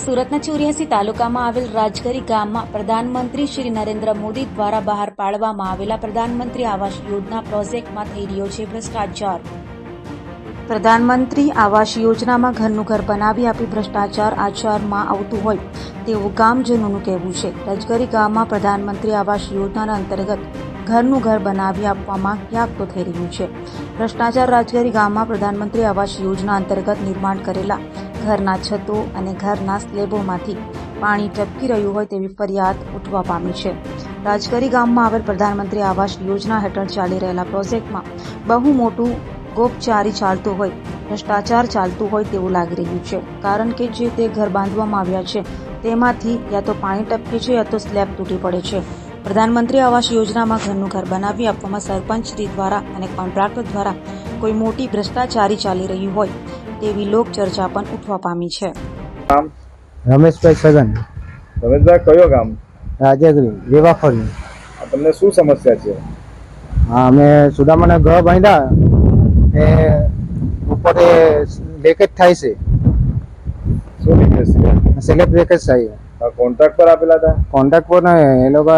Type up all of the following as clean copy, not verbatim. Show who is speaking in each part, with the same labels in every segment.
Speaker 1: સુરતના 84 તાલુકામાં આવેલ રાજગરી ગામમાં પ્રધાનમંત્રી શ્રી નરેન્દ્ર મોદી દ્વારા બહાર પાડવામાં આવેલા પ્રધાનમંત્રી આવાસ યોજના પ્રોજેક્ટમાં થઈ રહ્યો છે ભ્રષ્ટાચાર। પ્રધાનમંત્રી આવાસ યોજનામાં ઘરનું ઘર બનાવી આપી ભ્રષ્ટાચાર આચરણમાં આવતું હોય તેવું ગામજનોનું કહેવું છે। રાજગરી ગામમાં પ્રધાનમંત્રી આવાસ યોજનાના અંતર્ગત ઘરનું ઘર બનાવી આપવામાં ક્યાંક તો થઈ રહ્યું છે ભ્રષ્ટાચાર। રાજગરી ગામમાં પ્રધાનમંત્રી આવાસ યોજના અંતર્ગત નિર્માણ કરેલા ઘરના છતો અને ઘરના સ્લેબોમાંથી પાણી ટપકી રહ્યું હોય તેવી ફરિયાદ ઉઠવા પામી છે। રાજગરી ગામમાં આવેલ પ્રધાનમંત્રી આવાસ યોજના હેઠળ ચાલી રહેલા પ્રોજેક્ટમાં બહુ મોટું ગોપચારી ચાલતું હોય, ભ્રષ્ટાચાર ચાલતું હોય તેવું લાગી રહ્યું છે, કારણ કે જે તે ઘર બાંધવામાં આવ્યા છે તેમાંથી યા તો પાણી ટપકે છે યા તો સ્લેબ તૂટી પડે છે। પ્રધાનમંત્રી આવાસ યોજનામાં ઘરનું ઘર બનાવી આપવામાં સરપંચશ્રી દ્વારા અને કોન્ટ્રાક્ટર દ્વારા કોઈ મોટી ભ્રષ્ટાચારી ચાલી રહી હોય તેવી લોક ચર્ચા પણ ઉઠવા પામી છે।
Speaker 2: રમેશભાઈ સગન,
Speaker 3: રમેશભાઈ કયો ગામ?
Speaker 2: રાજગરી લેવાફળી।
Speaker 3: તમને શું સમસ્યા છે?
Speaker 2: હા, અમે સુદામાના ઘર બાંધ્યા એ ઉપર લીકેજ થાય છે।
Speaker 3: શું લીકેજ છે?
Speaker 2: સ્લેબ લીકેજ થાય।
Speaker 3: કોન્ટ્રાક્ટ પર આપેલા હતા?
Speaker 2: કોન્ટ્રાક્ટ પર ને એ લોકો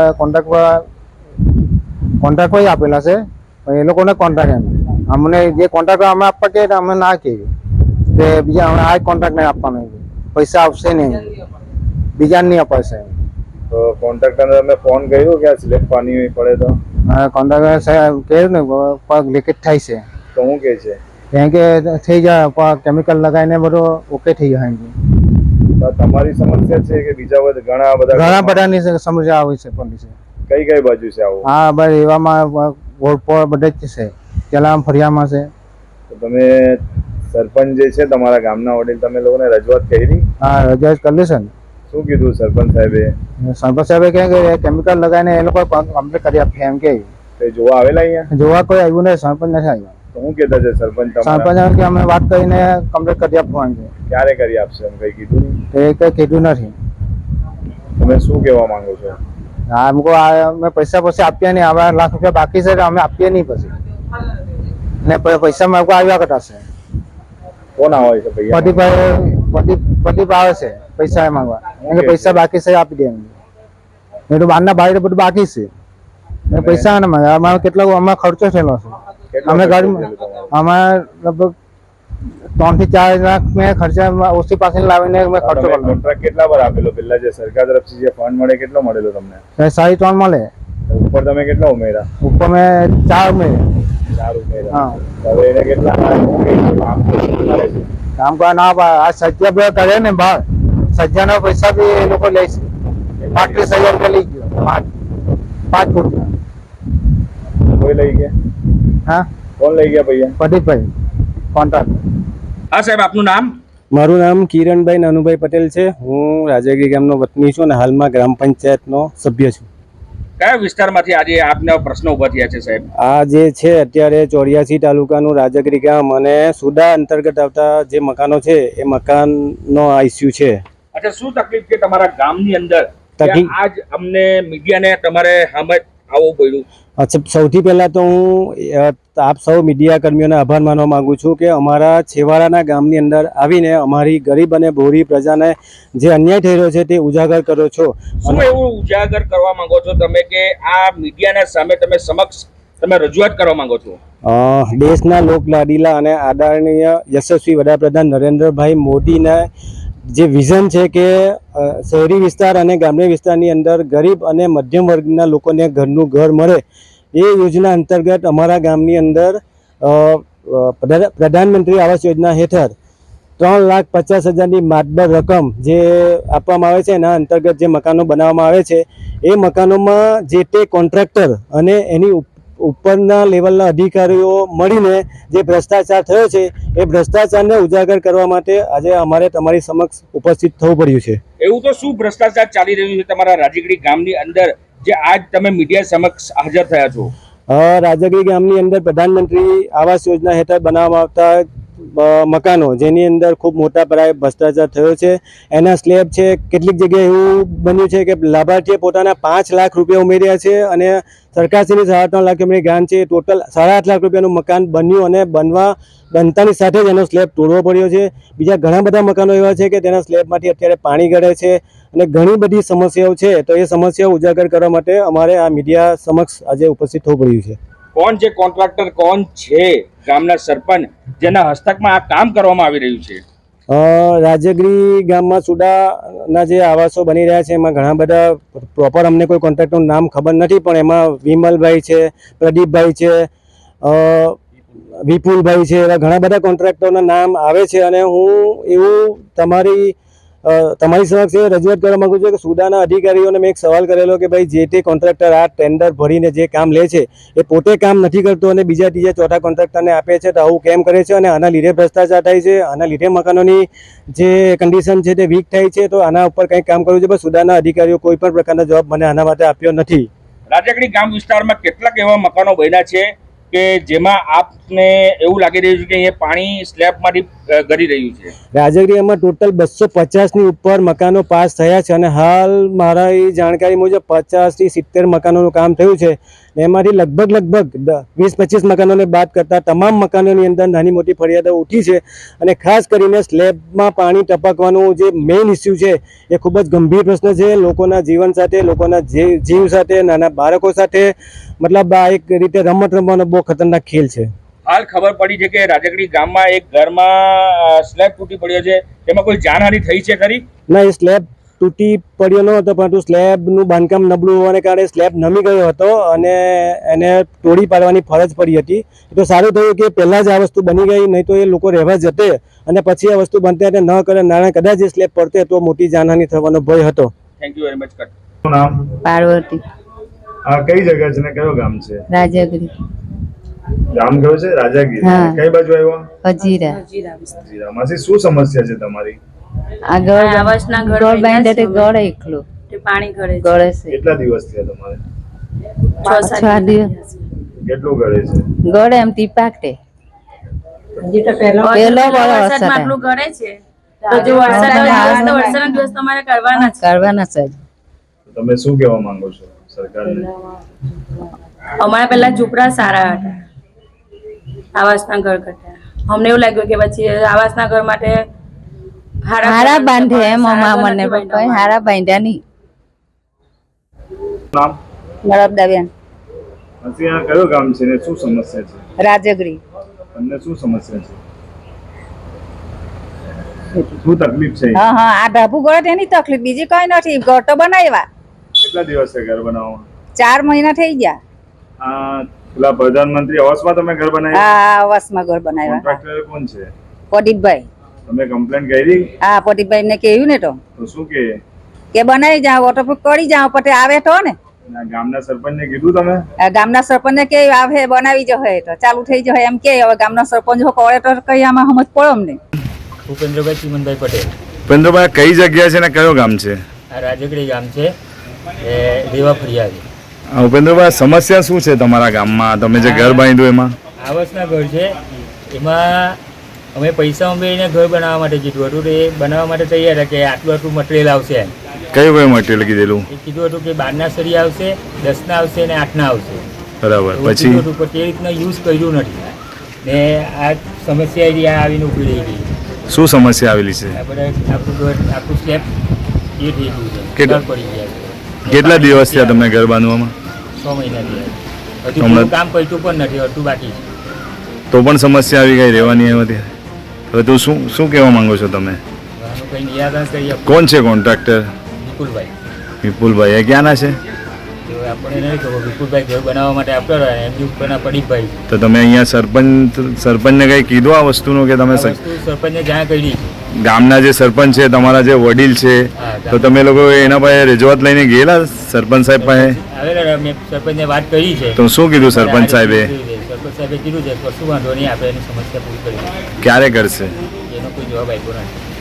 Speaker 2: કોન્ટ્રાક્ટ પર આપેલા છે, પણ એ લોકોને કોન્ટ્રાક્ટ એમ અમને જે કોન્ટ્રાક્ટ અમે આપવા કે અમે ના કહીએ કે બીજા હમણાં આ કોન્ટ્રાક્ટ નહીં આપવાનો, પૈસા આવશે નહીં, બીજા નહીં અપાશે।
Speaker 3: તો કોન્ટ્રાક્ટરને તમે ફોન કર્યો કે આ સ્લેબ પાણી પડે તો?
Speaker 2: કોન્ટ્રાક્ટર સાહેબ કહ્યું ને પગ લીકેજ થાય છે
Speaker 3: તો શું કહે છે?
Speaker 2: કેમ કે થઈ જાય કેમિકલ લગાવીને બધું ઓકે થઈ જાય।
Speaker 3: તો તમારી સમસ્યા છે કે બીજા ઘણા
Speaker 2: બધાની સમસ્યા આવી છે પોલીસે।
Speaker 3: કઈ કઈ બાજુ છે આવું?
Speaker 2: હા ભાઈ, એવામાં રોડ પર બધે જ છે, પેલા ફરિયામાં છે।
Speaker 3: તો તમે સરપંચ જે છે તમારા ગામના વડીલ, તમે લોકોને રજૂઆત કરી?
Speaker 2: હા, રજૂઆત કરી છે ને।
Speaker 3: શું કીધું સરપંચ સાહેબે?
Speaker 2: સરપંચ સાહેબે કહે કે કેમિકલ લગાવીને એ લોકો કમ્પ્લીટ કરી આપે એમ કે।
Speaker 3: જોવા આવેલા અહીંયા?
Speaker 2: જોવા કોઈ આવ્યું નહીં, સરપંચ નથી આવ્યા।
Speaker 3: તો શું કહેતા છે સરપંચ?
Speaker 2: સરપંચ કે અમે વાત કરીને કમ્પ્લીટ કરી આપવાનું છે।
Speaker 3: ક્યારે કરી આપશે એમ કઈ કીધું?
Speaker 2: એ કઈ કીધું નથી।
Speaker 3: તમે શું કહેવા માંગો છો?
Speaker 2: હા, અમે પૈસા પછી આપીએ નહીં, હવે લાખ રૂપિયા બાકી છે, અમે આપીએ નહીં પછી ને પૈસા માગવા આવ્યા કરતા।
Speaker 3: કોણ આવે છે?
Speaker 2: પ્રદીપ આવે છે પૈસા માંગવા, પૈસા બાકી છે આપી દે, નહીં તો બહારના ભાઈ બધું બાકી છે, પૈસા ના માંગે। અમારે કેટલો અમારે ખર્ચો થયેલો છે, અમે ગાડીમાં અમારે લગભગ 3 થી 4 લાખ મેં ખર્ચા ઓછી પાસે લાવીને મેં ખર્ચો કર્યો।
Speaker 3: કોન્ટ્રાક્ટ કેટલા પર આપેલો? પેલા જે સરકાર તરફથી જે ફંડ મળે કેટલો મળેલો તમને?
Speaker 2: 3.5 મળે।
Speaker 3: ઉપર તમે કેટલા ઉમેરા?
Speaker 2: ઉપર મેં 4 ઉમેર્યા।
Speaker 3: 4 ઉમેરા?
Speaker 2: હા।
Speaker 3: હવે એને કેટલા
Speaker 2: કામ કરવા ના આ સજ્જા બે કરે ને બહાર, સજ્જાના પૈસા બી એ લોકો લે છે। 35,000 રૂપિયા લઈ ગયો, 5 ફૂટના।
Speaker 3: કોઈ લઈ ગયા?
Speaker 2: હા,
Speaker 3: કોણ લઈ ગયા ભૈયા?
Speaker 2: પ્રદીપભાઈ કોન્ટ્રાક્ટ।
Speaker 4: હા સાહેબ, આપનું નામ?
Speaker 5: મારું નામ કિરણભાઈ નાનુભાઈ પટેલ છે। હું રાજગરી ગામનો વતની છું અને હાલમાં ગ્રામ પંચાયતનો સભ્ય છું।
Speaker 4: કયા વિસ્તારમાંથી આજે આપના પ્રશ્નો ઉભા થયા છે સાહેબ?
Speaker 5: આ જે છે અત્યારે 84 તાલુકાનું રાજગરી ગામ અને સુડા અંતર્ગત આવતા જે મકાનો છે એ મકાનનો આ ઇસ્યુ છે।
Speaker 4: અચ્છા, શું તકલીફ છે તમારા ગામની અંદર? આજ અમને મીડિયાને તમારે સામે આવવું પડ્યું?
Speaker 5: અચ્છા, સૌથી પહેલા તો હું આપ સૌ મીડિયા કર્મીઓને આભાર માનવા માંગુ છું કે અમારા છેવાડાના ગામની અંદર આવીને અમારી ગરીબ અને ભોળી પ્રજાને જે અન્યાય થઈ રહ્યો છે તે ઉજાગર કરો છો।
Speaker 4: શું એવું ઉજાગર કરવા માંગો છો તમે કે આ મીડિયાના સામે તમે સમક્ષ રજૂઆત કરવા માંગો છો?
Speaker 5: દેશના લોકલાડીલા અને આદરણીય યશસ્વી વડાપ્રધાન નરેન્દ્રભાઈ મોદીના જે વિઝન છે કે શહેરી વિસ્તાર અને ગ્રામ્ય વિસ્તારની અંદર ગરીબ અને મધ્યમ વર્ગના લોકોને ઘરનું ઘર મળે, એ યોજના અંતર્ગત અમારા ગામની અંદર પ્રધાનમંત્રી આવાસ યોજના હેઠળ 3,50,000ની માતબર રકમ જે આપવામાં આવે છે, એના અંતર્ગત જે મકાનો બનાવવામાં આવે છે એ મકાનોમાં જે તે કોન્ટ્રાક્ટર અને એની ઉપરના લેવલના અધિકારીઓ મળીને જે ભ્રષ્ટાચાર થયો છે એ ભ્રષ્ટાચારને ઉજાગર કરવા માટે આજે અમારે તમારી સમક્ષ ઉપસ્થિત થવું પડ્યું છે।
Speaker 4: એવું તો શું ભ્રષ્ટાચાર ચાલી રહ્યું છે તમારા રાજગરી ગામની અંદર જે આજ તમે મીડિયા સમક્ષ હાજર થયા છો?
Speaker 5: રાજગરી ગામની અંદર પ્રધાનમંત્રી આવાસ યોજના હેઠળ બનાવવામાં આવતા મકાનો જેની અંદર ખૂબ મોટા પાયે ભ્રષ્ટાચાર થયો છે. એના સ્લેબ છે, કેટલીક જગ્યાએ એવું બન્યું છે કે લાભાર્થીએ પોતાના 5 લાખ રૂપિયા ઉમેર્યા છે અને સરકારશ્રીની 3.5 લાખ રૂપિયાની ગ્રાન્ટ છે. ટોટલ 8.5 લાખ રૂપિયાનું મકાન બન્યું અને બનતાની સાથે જ એનો સ્લેબ તોડવો પડ્યો છે. બીજા ઘણા બધા મકાનો એવા છે કે તેના સ્લેબમાંથી અત્યારે પાણી ગળે છે અને ઘણી બધી સમસ્યાઓ છે. તો એ સમસ્યાઓ ઉજાગર કરવા માટે અમારે આ મીડિયા સમક્ષ આજે ઉપસ્થિત થવું પડ્યું છે.
Speaker 4: કોણ છે કોન્ટ્રાક્ટર, કોણ છે ગામના સરપંચ જેના હસ્તકમાં આ કામ કરવામાં આવી રહ્યું છે?
Speaker 5: રાજગીરી ગામમાં સુડાના જે આવાસો બની રહ્યા છે એમાં ઘણા બધા પ્રોપર અમને કોઈ કોન્ટ્રાક્ટરનું નામ ખબર નથી, પણ એમાં વિમલભાઈ છે, પ્રદીપભાઈ છે, વિપુલભાઈ છે, એવા ઘણા બધા કોન્ટ્રાક્ટરના નામ આવે છે. અને હું એવું તમારી સમક્ષ રજૂઆત કરવા માંગુ છું કે સુડાના અધિકારીઓને મેં એક સવાલ કરેલો કે ભાઈ જે તે કોન્ટ્રાક્ટર આ ટેન્ડર ભરીને જે કામ લે છે એ પોતે કામ નથી કરતો અને બીજા ત્રીજા ચોથા કોન્ટ્રાક્ટરને આપે છે, તો આવું કેમ કરે છે? અને આના લીધે ભ્રષ્ટાચાર થાય છે, આના લીધે મકાનોની જે કન્ડિશન છે તે વીક થાય છે. તો આના ઉપર કંઈક કામ કરવું છે, પણ સુડાના અધિકારીઓ કોઈ પણ પ્રકારનો જવાબ મને આના માટે આપ્યો નથી.
Speaker 4: રાજગીરી ગામ વિસ્તારમાં કેટલાક એવા મકાનો બન્યા છે કે જેમાં આપને એવું લાગી રહ્યું છે કે અહીંયા પાણી સ્લેબમાંથી ગળી રહ્યું છે?
Speaker 5: રાજગીરીમાં ટોટલ 250ની ઉપર મકાનો પાસ થયા છે અને હાલ મારા જાણકારી મુજબ 50 થી 70 મકાનોનું કામ થયું છે. એમાંથી લગભગ 20-25 મકાનોને બાદ કરતા તમામ મકાનોની અંદર નાની મોટી ફરિયાદો ઉઠી છે. અને ખાસ કરીને સ્લેબમાં પાણી ટપકવાનું જે મેઇન ઇસ્યુ છે એ ખૂબ જ ગંભીર પ્રશ્ન છે. લોકોના જીવન સાથે, લોકોના જીવ સાથે, નાના બાળકો સાથે, મતલબ આ એક રીતે રમત રમવાનો બહુ ખતરનાક ખેલ છે.
Speaker 4: હાલ ખબર પડી છે કે રાજગીરી ગામમાં એક ઘરમાં સ્લેબ તૂટી પડ્યો છે, તેમાં કોઈ જાનહાનિ થઈ છે ખરી?
Speaker 5: ના, એ સ્લેબ તૂટી પડ્યો ન હતો, પરંતુ સ્લેબનું બાંધકામ નબળું હોવાને કારણે સ્લેબ નમી ગયો હતો અને એને તોડી પાડવાની ફરજ પડી હતી. તો સારું થયું કે પહેલાં જ આ વસ્તુ બની ગઈ, નહીં તો એ લોકો રહેવા જતે અને પછી આ વસ્તુ બનતે ન કરે, નાના કદાચ એ સ્લેબ પડતે તો મોટી જાનહાનિ થવાનો ભય હતો.
Speaker 4: Thank you very much.
Speaker 3: શું નામ?
Speaker 6: પાર્વતી.
Speaker 3: આ કઈ જગ્યા છે ને કયો ગામ છે?
Speaker 6: રાજાગીરી.
Speaker 3: ગામ કયો છે? રાજાગીરી.
Speaker 6: હા.
Speaker 3: કઈ બાજુ આવ્યો?
Speaker 6: હજીરા.
Speaker 3: જીરામાંથી શું સમસ્યા છે તમારી?
Speaker 6: આ ગળ બાંધે તે ગળ એકલું
Speaker 7: પાણી ગળે
Speaker 6: ગળે છે.
Speaker 3: કેટલા દિવસ થયા તમારે?
Speaker 6: 6 દિવસ
Speaker 3: કેટલું ગળે છે?
Speaker 6: ગળે એમ ટીપાકટે પહેલો વરસાદ
Speaker 7: આટલું ગળે છે તો જો વરસાદના દિવસ તમારે કરવાના છે.
Speaker 3: તમે શું કહેવા માંગો છો સરકારને?
Speaker 7: અમારા પહેલા ઝૂંપડા સારા હતા આવાસના ઘર કરતા. અમને એવું લાગ્યું કે પછી આવાસના ઘર માટે
Speaker 6: હારા બાંધે એમ મને પપ્પાએ હારા બાંધ્યા નહીં.
Speaker 3: નામ?
Speaker 6: નળબદાબેન.
Speaker 3: નથી, આ કયો ગામ છે ને શું સમસ્યા છે?
Speaker 6: રાજગીરી.
Speaker 3: તમને શું સમસ્યા છે? શું તકલીફ છે?
Speaker 6: હા હા, આ ઢાબુ ગળે તેની તકલીફ, બીજી કઈ નથી. ઘર તો બનાવ્યા.
Speaker 3: કેટલા દિવસ છે ઘર બનાવવામાં?
Speaker 6: 4 મહિના થઈ ગયા.
Speaker 3: આ પેલા પ્રધાનમંત્રી આવાસમાં તમે ઘર બનાવ્યું?
Speaker 6: આ આવાસમાં ઘર બનાવ્યા.
Speaker 3: કોન્ટ્રાક્ટર કોણ છે?
Speaker 6: પ્રદીપભાઈ.
Speaker 3: તમે કમ્પ્લેન કરી?
Speaker 6: હા, પ્રદીપભાઈ ને કહ્યું ને તો
Speaker 3: શું કે
Speaker 6: બનાવી જાઓ, વોટરપ્રૂફ કરી જાઓ, પછી આવે તો ને.
Speaker 3: ગામના સરપંચને કીધું તમે?
Speaker 6: ગામના સરપંચ ને કે આવે બનાવી જશે તો ચાલુ થઈ જશે એમ કે. હવે ગામના સરપંચ કરે તો કઈ આમાં સમજ પડે અમને.
Speaker 8: ભૂપેન્દ્રભાઈ ચીમનભાઈ પટેલ.
Speaker 3: ભૂપેન્દ્રભાઈ, કઈ જગ્યા છે ને કયો ગામ છે?
Speaker 8: આ રાજગીરી ગામ છે, એ દેવા ફરિયાદી.
Speaker 3: ભૂપેન્દ્રભાઈ, સમસ્યા શું છે તમારા ગામમાં? તમે જે ઘર બાંધ્યું એમાં?
Speaker 8: આવાસના ઘર છે, એમાં અમે પૈસા ઉમેરીને ઘર બનાવવા માટે કીધું હતું. એ બનાવવા માટે તૈયાર હતા કે આટલું મટીરિયલ આવશે.
Speaker 3: કયું કયું મટીરિયલ કીધેલું?
Speaker 8: એ કીધું હતું કે 12ના સરી આવશે, 10ના આવશે અને 8ના આવશે.
Speaker 3: બરાબર. પછી
Speaker 8: તે રીતના યુઝ કર્યું નથી ને આ સમસ્યા જે આવીને ઉભી રહી ગઈ.
Speaker 3: શું સમસ્યા આવેલી છે?
Speaker 8: આપણે આખું સ્લેબ એ થઈ ગયું છે, ઘર પડી ગયા છે.
Speaker 3: કેટલા દિવસ થયા તમને ઘર બાંધવામાં?
Speaker 8: 6 મહિના થયા. હજુ પૂરું કામ કર્યું પણ નથી, અડધું બાકી છે.
Speaker 3: તો પણ સમસ્યા આવી ગઈ રહેવાની એમાંથી. હવે તું શું કહેવા માંગો છો તમે?
Speaker 8: આનું કંઈ નિરાકરણ કરી આપો.
Speaker 3: કોણ છે કોન્ટ્રાક્ટર?
Speaker 8: વિપુલભાઈ.
Speaker 3: વિપુલભાઈ એ ક્યાંના છે?
Speaker 8: તો આપણે નહીં ખબર. વિપુલભાઈ ઘર બનાવવા માટે આપતો રહ્યો, એમની ઉપરના પ્રદીપભાઈ.
Speaker 3: તો તમે અહીંયા સરપંચને કંઈ કીધું આ વસ્તુનું કે તમે
Speaker 8: સરપંચને જાણ કરી?
Speaker 3: ગામના જે સરપંચ છે, તમારા જે વડીલ છે, તો તમે લોકો એના પાસે રજૂઆત લઈને ગયેલા સરપંચ સાહેબ પાસે?
Speaker 8: આવેલા, મેં સરપંચને વાત કરી છે.
Speaker 3: તો શું કીધું સરપંચ સાહેબે?
Speaker 8: સરપંચ સાહેબે કીધું છે કશું વાંધો નહીં, આપણે એની સમસ્યા પૂરી કરી.
Speaker 3: ક્યારે કરશે?
Speaker 8: એનો કોઈ જવાબ આપ્યો નથી.